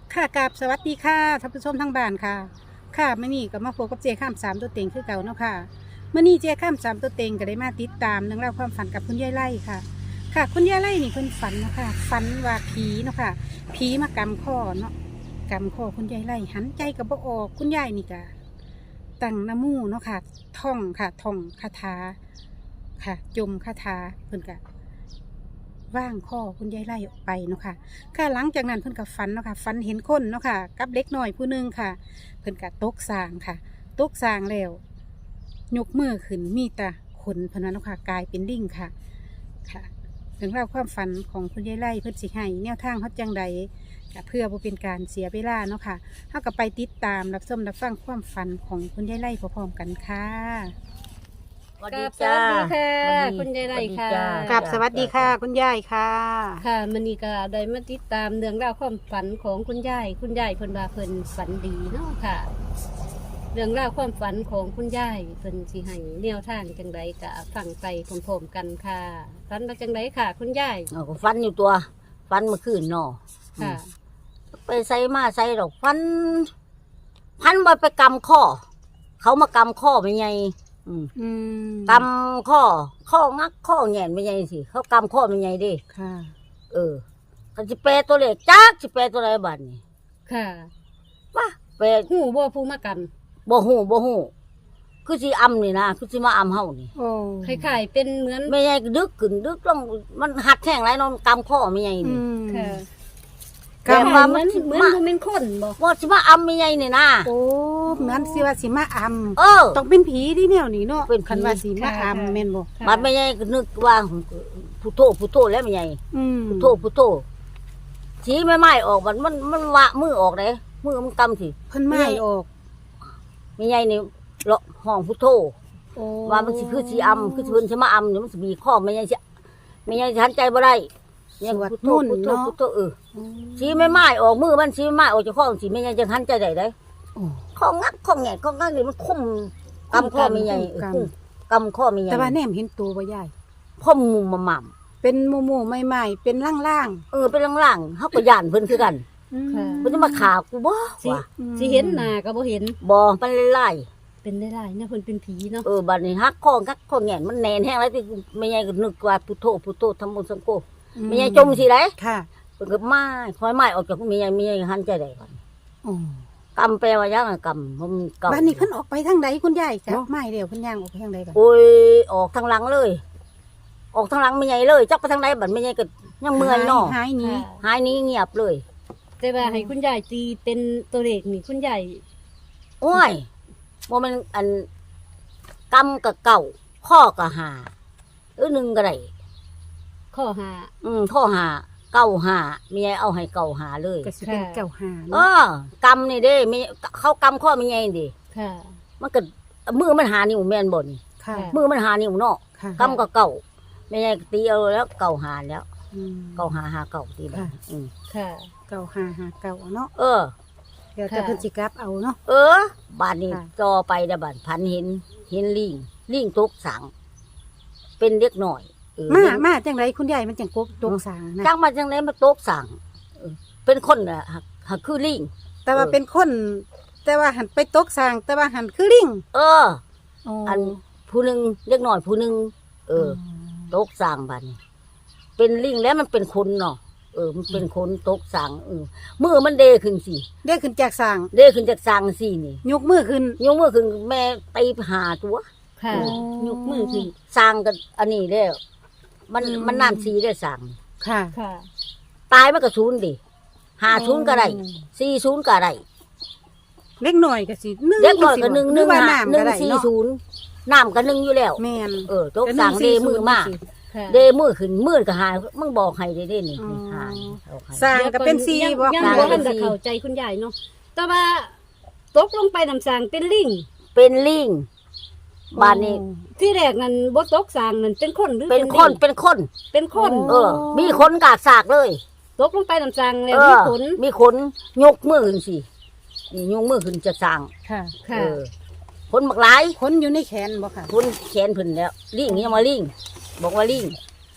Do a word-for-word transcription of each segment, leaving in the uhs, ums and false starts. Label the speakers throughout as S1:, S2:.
S1: ค่ะกราบสวัสดีค่ะท่านผู้ชมทั้งบ้านค่ะค่ะมื่อนี้ก็มาพบกับเจข้ามสามตัวเต็งคือเก่าเนาะค่ะมื่อนี้เจข้ามสามตัวเต็งก็ได้มาติดตามเรื่องราวความฝันกับคุณยายไล่ค่ะ ค่ะคุณยายไล่นี่เพิ่นฝันเนาะค่ะฝันว่าผีเนาะค่ะผีมากำข้อเนาะกำข้อคุณยายไล่หันใจกับบ่ออกคุณยายนี่ก็ตั้งน้ำมูเนาะค่ะท่องค่ะท่องคาถาค่ะจมคาถาเพิ่นก็ว่างข้อคุณยายไล่ออกไปเนาะค่ะ ค่ะหลังจากนั้นเพิ่นก็ฝันเนาะค่ะฝันเห็นคนเนาะค่ะกับเล็กน้อยผู้หนึงค่ะ เพิ่นก็ตกสร้างค่ะตกสร้างแล้วยกมือขึ้นมีแต่ขนเพนนันเนาะค่ะกลายเป็นลิงค่ะค่ะถึงเล่าวความฝันของคุณยายไล่เพิ่นสิให้แนวทางเฮาจังใดก็เพื่อบ่เป็นการเสียเวลาเนาะค่ะเฮาก็ไปติดตามรับชมรับฟังความฝันของคุณยายไล่พร้อมๆกันค่ะ
S2: สวัส
S3: กั
S2: ดี
S3: บส
S2: จ้า
S3: วัสดีค่ะ
S2: วันนี้
S3: คุณยายไร่ค่ะ
S2: สวัสดีจ้า
S1: กับสวัสดีค่ะ คุณยายค่ะ
S3: ค่ะมันนี่ก็ได้มาติดตามเรื่องราวความฝันของคุณยายคุณยายเพิ่นว่าเพิ่นฝันดีเนาะค่ะ เรื่องราวความฝันของคุณยายเพิ่นสิให้แนวทางจังไดก็ฟังไปพร้อมๆกันค่ะฝันว่าจังไดค่ะ คุณยาย
S2: เอาก็ฟันอยู่ตัว ฟันเมื่อคืนเนาะ
S3: ค่ะ
S2: ไปใส่มาใส่ดอกฟัน พันบ่ไปกำข้อ เขามากำข้อไม่ไงอืม
S1: อืม
S2: กำข้อ ข้องักข้อแหง่นไม่ไงสิเขากำข้อไม่ไงดิ
S1: ค่ะ
S2: เออเขาสิแปลตัวเลขจักสิแปลตัวอะไรบัดนี่
S3: ค่ะ
S2: ว่าแปล
S3: หูบ่ผู้มากัน
S2: บ่ฮู้บ่ฮู้คือสิอำนี่นะคือสิมาอำเฮานี่
S1: โอ้
S3: คล้ายๆเป็นเหมือน
S2: ไม่ไงก็ดึกขึ้นดึกลงมันหัดแท่งไรเนอนกำข้อไม่ไง
S1: อื
S2: นี่
S1: ม
S3: ค่ะ
S2: แต่
S3: คล้าย
S2: ว่า
S3: ๆเห
S2: มั
S3: มือน นเหมือน
S2: มา
S3: บ่เป็นคนบ่
S2: ว่าสิมาอำไม่ไงนี่นะ
S1: โอ้เหมือนสิว่าสิมาอำ
S2: เออ
S1: ต้องเป็นผีที่แนวนี้เนาะ
S2: เป็นผี
S1: คันว่าสีมาอำแม่นบ่
S3: ค่ะ
S2: มันไม่ใช่นึกว่าผู้โทผู้โทแล้วไม่ใช่
S1: อืม
S2: ผู้โทผู้โทชี้ไม่ไม้ออกมันมันมันวะมือออกเลยมือมันกำสิ
S1: เพิ่นไม้ออก
S2: ไม่ใช่นี่เลาะห้องผู้โท
S1: โอ้
S2: ว่ามันสิคือสีอำคือสิเพิ่นสิมาอำเดี๋ยวมันสิมีข้อไม่ใช่สิไม่ใช่ทันใจบ่ได้ยังผู้โทผู้โทผู้โทเออ
S1: โอ้
S2: ชี้ไม่ไม้ออกมือมันชี้ไม่ไม้ออกจากข้อสิไม่ใช่จะทันใจได้ได้
S1: โอ้
S2: ข้องักข้อแงะข้องักนี่มันคุ้มกำข้อไม่ใช่เออคุ้มกำข้อไม่ใช่
S1: แต่ว่าแนมเห็นตัวบ่ยาย
S2: พ่อมุมมาหม่ำ
S1: เป็นหมู่ๆใหม่ๆเป็นล่าง
S2: เออเป็นล่างๆเขาก็ย่านเพิ่นคือกัน
S1: ๆอืม
S3: ค่ะ
S2: เพิ่นจะมาขากูบ่
S3: สิ
S2: วะ
S3: สิเห็นหน้าก็บ่เห็น
S2: บ่มันไล่
S3: เป็นได้หลายเนี่ยเพิ่นเป็นผีเนาะ
S2: เออบัดนี้ฮักข้อกักข้อแหงนมันแน่นแห้งแล้วที่ไม่ใหญ่ก็นึกว่าพุทโธพุทโธทำบุญสังโฆไม่ใหญ่จมสิได้
S1: ค่ะ
S2: เพิ่นก็มาคอยไม้ออกจากไม่ใหญ่ไม่ใหญ่หันใจได้ก่อน
S1: โอ้
S2: กำแปลว่ายังอะกำมันเก่า
S1: บ้านนี้เพิ่นออกไปทางใดคุณยายจ้ะไม้เดียวเพิ่นย่างออกไปทางใดกัน
S2: โอ้ยออกทางหลังเลย ออกทางหลังไม่ใหญ่เลยจักไปทางใดบัดไม่ใหญ่ก็ยังเมื่อยเนาะ
S1: หายหนี้
S3: ค่ะ
S2: หายนี้เงียบเลย
S3: แต่ว่าให้คุณยายตีเป็นตัวเลขนี่คุณยาย
S2: โอ้ยบ่แมันอันกำกับเก่าข้อกับหาเออหนึ่งก็ได้
S3: ข้อหา
S2: อืมข้อหาเก่าหาเมียเอาให้เก่าหาเลย
S1: ก็สิเป็น
S3: ค่ะ
S1: เจ้าหา
S2: เอ
S1: เนาะ
S2: อกำนี่เด้มีเขากำข้อมีไงดิ
S3: ค่ะ
S2: มันก็มือมันหานิ้วแม่นบ่นี่
S1: ค่ะ
S2: มือมันหานิ้วเนาะ
S1: ค่ะ
S2: กำก็เก่าไม่ไงตีเอาแล้วเก่าหาแล้ว
S1: อืม
S2: เก่าหาหาเก่าตีแบบ
S1: ค่ะ
S2: อืม
S3: ค่ะ
S1: เก่าหาหาเก่าเนาะ
S2: เออ
S1: เดี๋ยวจะ
S3: ค่ะ
S1: เพิ่นสิกลับเอาเนาะ
S2: เออบานนี้
S1: ค่ะ
S2: จอไปเดยวบานพันเห็น เห็นลิงลิงตกสังเป็นเด็กหน่อยเออ
S1: มา
S2: เห็น
S1: มาจังไรคุณยายมันจังกบตกสางนะ
S2: จังมาจังไหนมาตกสังเออเป็นคนน่ะหักหักคือลิง
S1: แต่ว่า
S2: เออ
S1: เป็นคน แต่ว่าหันไปตกสางแต่ว่าหันคือลิง
S2: เออ
S1: โอ้
S2: อันผู้หนึ่งเล็กหน่อยผู้หนึ่งเออตกสางบัดนเป็นลิงแล้วมันเป็นคนเนาะเออ มันเป็นคนตกสางเออมือมันเดขึ้นสิ
S1: ได้ขึ้นจากสาง
S2: เดขึ้นจากสางสินี่
S1: ยกมือขึ้น
S2: ยกมือขึ้นแม่ตีหาตัว
S3: ค่ะ
S2: โอ้
S3: ยกมือขึ้น
S2: สางกันอันนี้แล้วมัน
S1: อืม
S2: มันน้ำสีได้สาง
S1: ค่ะ
S3: ค่ะ
S2: ตายมันก็ศูนย์ดิหาศูนย์ก็ได้สี่ศูนย์ก็ได้
S1: เล็กหน่อยก็สิหนึ่ง
S2: เด็กน้อยก็หนึ่งหนึ่ง
S1: ว่า
S2: หา
S1: น้ำ
S2: หนึ่
S1: ก็
S2: ง
S1: ได้
S2: สี่
S1: เนาะ
S2: ศูนย์น้ำก็หนึ่งอยู่แล้ว
S1: แม่น
S2: เออตกสางเดมือมา
S3: ค่ะ
S2: เดมือขึ้นมือก็หามึงบอกให้ได้เด้นี่
S1: อ๋อ
S2: นี่หาเอาให้
S1: สางก็เป็นซี
S3: ยัง
S1: บ่
S3: ยัง
S2: สร้าง
S3: บ่
S2: เป็
S3: ทัน
S2: น
S3: จะ
S2: สี่
S3: เข้าใจคุณยายเนาะแต่ว่าตกลงไปน้ำสางเป็นลิง
S2: เป็นลิงบ้านนี้
S3: ที่แรกนั้นบ่ตกสางนั่นเป็นคนหรือ
S2: เป็น
S3: ลิง
S2: คนเป็นคน
S3: เป็นคน
S2: เออ มีคนกากสากเลย
S3: ตกลงไปน้ำสางแล้ว
S2: เอ
S3: มี
S2: อ
S3: ผล
S2: มีคนยกมือขึ้นสินี่ยกมือขึ้นจะสร้าง
S1: ค่ะ
S3: ค่ะ
S2: เออคนบักหลาย
S1: คนอยู่ในแขนบ่ค่ะ
S2: คนแขนเพิ่นแล้วลิงยังมาลิงบอกว่าลิง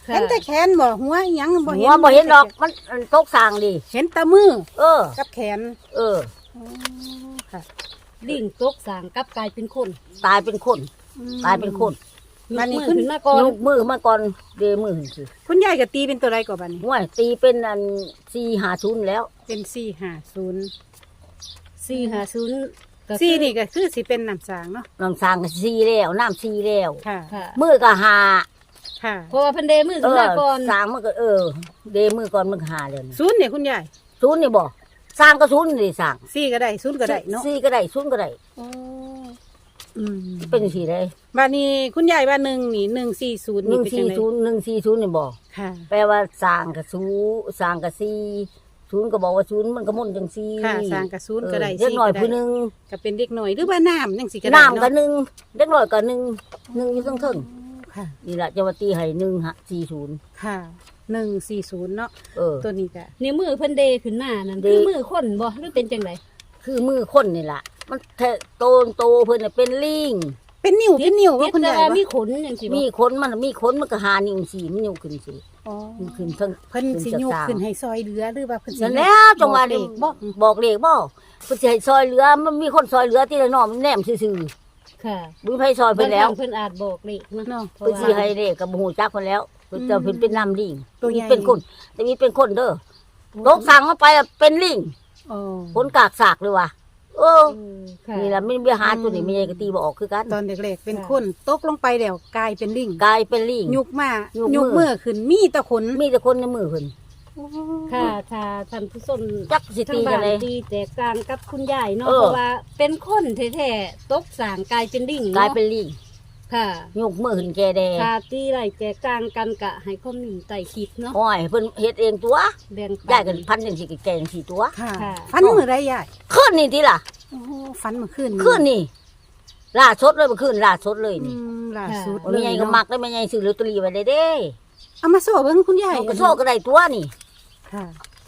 S3: ค่ะ
S1: เห็นแต่แขนบ่หัวอิหยังบ่
S2: หั
S1: เห็น
S2: วบ่เห็นดอกมันมันตกสร้างดิ
S1: เห็นแตามือ
S2: เออ
S1: กับแขน
S2: เออ
S1: อ๋อค่ะ
S3: ลิงตกสางกลับกลายเป็นคน
S2: ตายเป็นคน
S1: อืม
S2: ตายเป็นคน
S3: ย
S1: บัดนี้
S3: กมือ
S1: ขึ้น
S3: ขึ้นมาก่อน
S2: ยกมือมาก่อนเดมือขึ้นสิ
S1: คุณยายก็ตีเป็นตัวใดก่อนบัดนี้
S2: ห่วยตีเป็นอันสี่หาศูนย์แล้ว
S1: เป็นสี่ห้าศูนย์
S3: สี่ห้าศูนย์ก็คือ
S1: สี่นี่ก็คือสิเป็นน้ำสางเนาะ
S2: น้ำสร้างก็สี่แล้วน้ำสี่แล้ว
S1: ค่ะ
S3: ค่ะ
S2: มือก็หา
S1: ค่ะ
S3: เพราะว่าเพันเดมือ
S2: เอ
S3: ขึ้น
S2: อ
S3: มาก่อน
S2: สร้างมันก็เออ เดมือก่อนมันก็หาเลย
S1: ศูนย์เนี่ยคุณยาย
S2: ศูนย์นี่บ่สร้างก็ศูนย์นี่สร้าง
S1: สี่ก็ได้ศูนย์ก็ได้เนาะ
S2: สี่ก็ได้ศูนย์ก็ได้
S1: โอ้อืม
S2: เป็นสี่ได้
S1: บัดนี้คุณยายว่าหนึ่งนี่หนึ่งสี่ศูนย์
S2: ห
S1: นี่
S2: นึ่ง
S1: เป็นจั
S2: สี่
S1: งได
S2: ศูนย์หนึ่งสี่ศูนย์นี่บ่
S1: ค่ะ
S2: แปลว่าสร้างกับศูนย์สร้างกับสี่ศูนย์ก็บอกว่าศูนย์มันก็มุ่นจังสี่
S1: ค่ะสร้างกับศูนย์ก็ได้
S2: เล็ก
S1: สี่
S2: หน่อย
S1: ก็
S2: ผู้ห
S1: ได้
S2: นึง
S1: ก็เป็นเด็กหน่อยหรือว่าน้ำจังสิก็ได้
S2: น้ำก็
S1: เนาะ
S2: หนึ่งเล็กหน่อยก็หนึ่งหนึ่งอยู่ทั้งเทิง
S1: ค่ะ
S2: นี่แหละจะมาตีให้หนึ่งฮะสี่ศูนย์
S1: ค่ะหนึ่งสี่ศูนย์เนาะ
S2: เออ
S1: ตัวนี้ก็
S3: นิ้วมือเพันเดขึ้นมานั่น
S2: เด
S3: คือมือคนบ่หรือเป็นจังได
S2: คือมือคนนี่แหละมันแทะโตนโตเพิ่นน่ะเป็นลิง
S1: เป็นนิ้วเป็นนิ้วว่าคุณ
S3: แต่
S1: ยาย
S3: ว่า
S1: ว่า
S3: มีขนจังซี่บ่
S2: มีขนมันมีขนมันก็หานิ้วสี่มันนิ้วขึ้นสิ
S1: อ๋อ
S2: มันขึ้นทั้ง
S1: เพิ่นสิยกขึ้นให้ซอยเหลือหรือว่าเพิ่นสิ
S2: นั่นแล้วจังหวะนี้
S1: บ่
S2: บอกเลขบ่เพิ่นสิให้ซอยเหลือมันมีคนซอยเหลือที่ละน้อมันแนมซื่อ
S3: ค่ะ
S2: ๆบ่มีไผซอยเพิ่นแล้ว
S3: บางครั้งเพิ่นอาจบอกเลขเนาะ
S1: เนาะ
S3: เพราะ
S2: เพิ่นสิ
S3: ว่า
S2: ให้เลขก็บ่ฮู้จักเพิ่นแล้วเพิ่นจะเพิ่นเป็นน้ำลิง
S1: ตัวใหญ่
S2: เป็นคนแต่มีเป็นคนเด้อตกสั่งเข้าไปอะเป็นลิง
S1: อ๋อ
S2: คนกากสากเลยว่ะเออ
S3: เออค่ะ
S2: นี่ล่ะมันมีหาตัวนี้มันยังก็ตีบ่ออกคือกัน
S1: ตอนเด็กๆเป็นคนตกลงไปแล้วกลายเป็นลิง
S2: กลายเป็นลิง
S1: ยุกมา
S2: ยุก
S1: ยุก
S2: มือ
S1: มือขึ้นมีแตะขน
S2: มีแต่คนในมือเพิ่น
S3: ค่ะถ้าท่านผู้ชม
S2: จักสิ
S3: ทา
S2: ตี
S3: งบ้า
S2: กัน
S3: น
S2: เลย
S3: ตีแตกต่างกับคุณยายเนาะ
S2: เออ
S3: เพราะว่าเป็นคนแท้ๆตกสางกลายเป็นดิ่ง
S2: กลาย
S3: เนาะ
S2: เป็นลิง
S3: ค่ะ
S2: ยกมือขึ้นแกแดง
S3: ถ้าตีไรแตกต่างกันกะให้คอมเมนต์ใต้คลิปเนาะ
S2: โอ้ยเพิ่นเฮ็ดเองตัว
S3: แบ่งปั
S2: ยายกันพันจังสิแกงสิตัว
S1: ค่ะ
S3: ค่ะ
S1: ฟันมือไรยาย
S2: คืนนี่ติล่ะ
S1: โอ้โหฟันมือขึ้น
S2: คืนนี่ล่าสดเลยบ่คืนล่าสดเลย
S1: อื
S2: นี่
S1: มล่าสุด
S2: ว่าแม่ใหญ่ก็มักได้แม่ใหญ่ซื้อลอตเตอรี่ไว้ได้เด้
S1: เอามาโซ่เบิ่งคุณยาย
S2: เอาก็โชคก็ได้ตัวนี่
S1: ค่ะ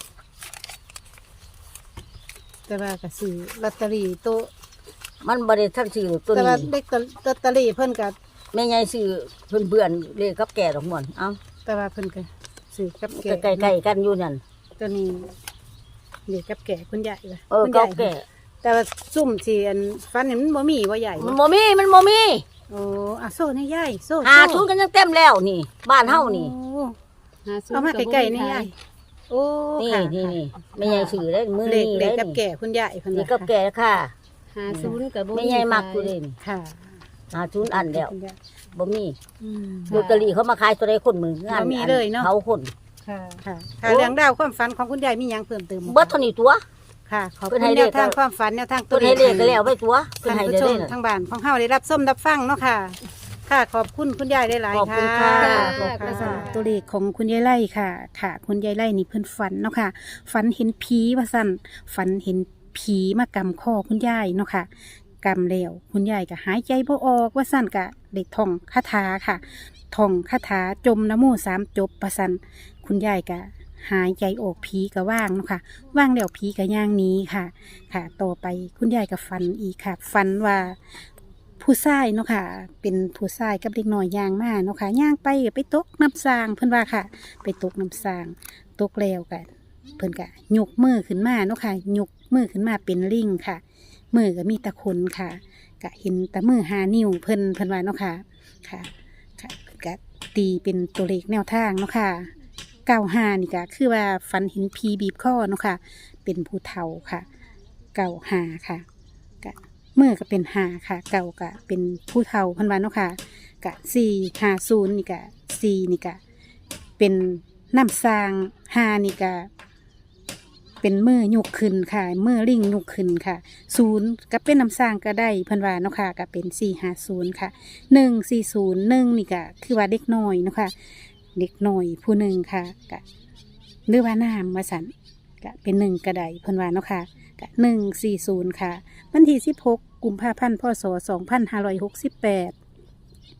S1: แต่ว่าก็ซื้อลอตเตอรี่โตะ
S2: มันบ่ได้ทันซื้อตัว
S1: แต่
S2: นี้
S1: ว่าเด็กลอตเตอรี่เพิ่นก็
S2: แม่ใหญ่ซื้อเพิ่นเบื่อนเลขกับแก่ดอกม่วนเอ้า
S1: แต่ว่าเพิ่นก็ซื้อกับแก่
S2: ใกล้ๆกันอยู่นั่น
S1: ตัวนี้เด็กกับแก่คุณยายว่ะ
S2: เออ
S1: คุณ
S2: กั
S1: ยา
S2: บ
S1: ย
S2: แก่
S1: แต่ว่าซุ่มที่อันฟันนี่มันบ่มีบ่ใหญ่
S2: มัน
S1: บ่
S2: บ่มีมันบ่มี
S1: โอ้อะโซ่นี่ยายโซ่
S2: หา
S1: โซ่
S2: ทุนกันยังเต็มแล้วนี่ บ้านเฮานี่
S1: โอ้
S3: หศูน
S1: เอา
S3: ย์
S1: มา
S3: บ
S1: ใกล้
S3: บ่
S1: ๆนี่
S3: ข
S1: ยายโอ้
S2: นี่
S1: ค่ะ
S2: นี่
S1: ค่ะ
S2: นี่แม่ใหญ่ซื้อได้มื้อ
S1: เด็ก
S2: นี้
S1: เด็
S2: ได้
S1: กกับ
S2: นี่
S1: แก่คุณยายเพิ่น
S2: นี่
S1: ว่า
S2: กับแก่ค่ะ
S3: หาศูนย์กับบ่
S2: แม่ใหญ่มักอยู่เลยนี่
S1: ค่ะ
S2: หาทุนอันแล้ว
S1: คุณยาย
S2: บ่มี
S1: อืม
S2: ลอตเตอรี่เขามาขายตัวใดคนมืองาน
S1: บ่มีเลยเนาะ
S2: เขาคน
S3: ค่ะ
S1: ค่ะค่ะเรื่องราวความฝันของคุณยายมีหยังเพิ่มเติมบ่
S2: เบิดเท่านี้ตัว
S1: ค่ะขอบ
S2: เพิ่
S1: คุ
S2: น
S1: ณ
S2: ให้
S1: แน
S2: เล
S1: ว
S2: ข
S1: ทางความฝันแนวทางตั
S2: เพิ่
S1: วน เล
S2: ให้
S1: ข
S2: เลขก็แล้วไปตัวเพิ่น
S1: ท่าน
S2: ให้
S1: ผู้
S2: ได้
S1: ช
S2: เล
S1: ม
S2: ยน่ะ
S1: ทางบ้านของเฮาได้รับส้มรับฟังเนาะค่ะ ค่ะขอบคุณคุณยายได้หลาย
S2: ขอบ
S1: ๆ
S2: คุ
S1: ค่ะ
S2: ณค่ะ
S3: ขอบคุณค่ะ
S1: ตัวเลขของคุณยายไล่ค่ะ ค่ะ คุณยายไล่นี่เพิ่นฝันเนาะค่ะ ฝันเห็นผีว่าสั่นฝันเห็นผีมากำคอคุณยายเนาะค่ะกำแล้วคุณยายก็หายใจบ่ออกว่าสั่นก็ได้ท่องคาถาค่ะท่องคาถาจมนะโมสามจบประสันคุณยายก็หายใจออกผีก็ว่างเนาะค่ะว่างแล้วผีก็ย่างหนี้ค่ะ ค่ะ ต่อไปคุณยายก็ฝันอีกค่ะฝันว่าผู้ชายเนาะค่ะ เป็นผู้ชายกับเด็กน้อยย่างมาเนาะค่ะย่างไปก็ไปตกน้ำสางเพิ่นว่าค่ะ ไปตกน้ำสางตกแล้วกันเพิ่นก็ยกมือขึ้นมาเนาะค่ะยกมือขึ้นมาเป็นลิงค่ะ มือก็มีแตะคนค่ะก็เห็นแต่มือหานิ้วเพิ่นเพิ่นว่าเนาะค่ะค่ะค่ะเพิ่นก็ตีเป็นตัวเลขแนวทางเนาะค่ะเก้าห้านี่ก็คือว่าฝันเห็นผีบีบคอเนาะค่ะ เป็นผู้เฒ่าค่ะ เก่าหาค่ะกะมือก็เป็นหาค่ะ เก่ากะเป็นผู้เฒ่าเพันวันเนาะค่ะกะสี่หาศูนย์นี่กะสี่นี่กะเป็นน้ำซางหานี่กะเป็นมือยกขึ้นค่ะมือลิงยกขึ้นค่ะศูนย์ก็เป็นน้ำซางก็ได้เพันวาเนาะค่ะก็เป็นสี่หาศูนย์ค่ะหนึ่งสี่ศูนย์หนึ่งนี่กะคือว่าเด็กน้อยเนาะค่ะเด็กน้อยผู้หนึ่งค่ะกะหรือว่าน้ำมาสันกะเป็นหนึ่งกระไดเพันวาเนาะค่ะ หนึ่งสี่ศูนย์ค่ะวันที่สิบหกกุมภาพันธ์พศสองพันห้าร้อยหกสิบแปด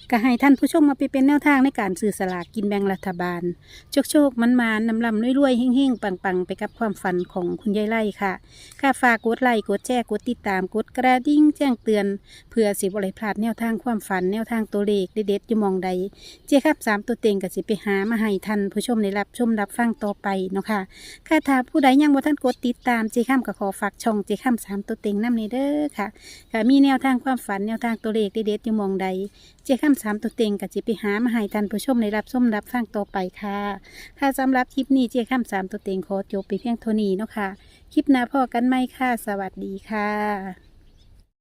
S1: ก็ให้ท่านผู้ชมมาไปเป็นแนวทางในการซื้อสลากกินแบ่งรัฐบาลโชคโชคมันมานำลำรวยๆเฮ่งๆปังๆไปกับความฝันของคุณยายไล่ค่ะค่ะฝากกดไลค์กดแชร์กดติดตามกดกระดิ่งแจ้งเตือนเพื่อสิบริพลาดแนวทางความฝันแนวทางตัวเลขเด็ดๆอยู่หมองใดเจ๊ครับสามตัวเต็งก็สิไปหามาให้ท่านผู้ชมได้รับชมรับฟังต่อไปเนาะค่ะค่ะถ้าผู้ใดยังบ่ท่านกดติดตามเจ๊ข้ามก็ขอฝากช่องเจ๊ข้ามสามตัวเต็งนำนี้เด้อค่ะค่ะมีแนวทางความฝันแนวทางตัวเลขเด็ดๆอยู่หมองใดเจ๊ข้ามสามตัวเต็งก็สิไปหามาให้ท่านผู้ชมได้รับชมรับฟังต่อไปค่ะค่ะสำหรับคลิปนี้เจ๊ข้ามสามตัวเต็งขอจบไปเพียงเท่านี้เนาะค่ะคลิปหน้าพอกันไหมค่ะสวัสดีค่ะ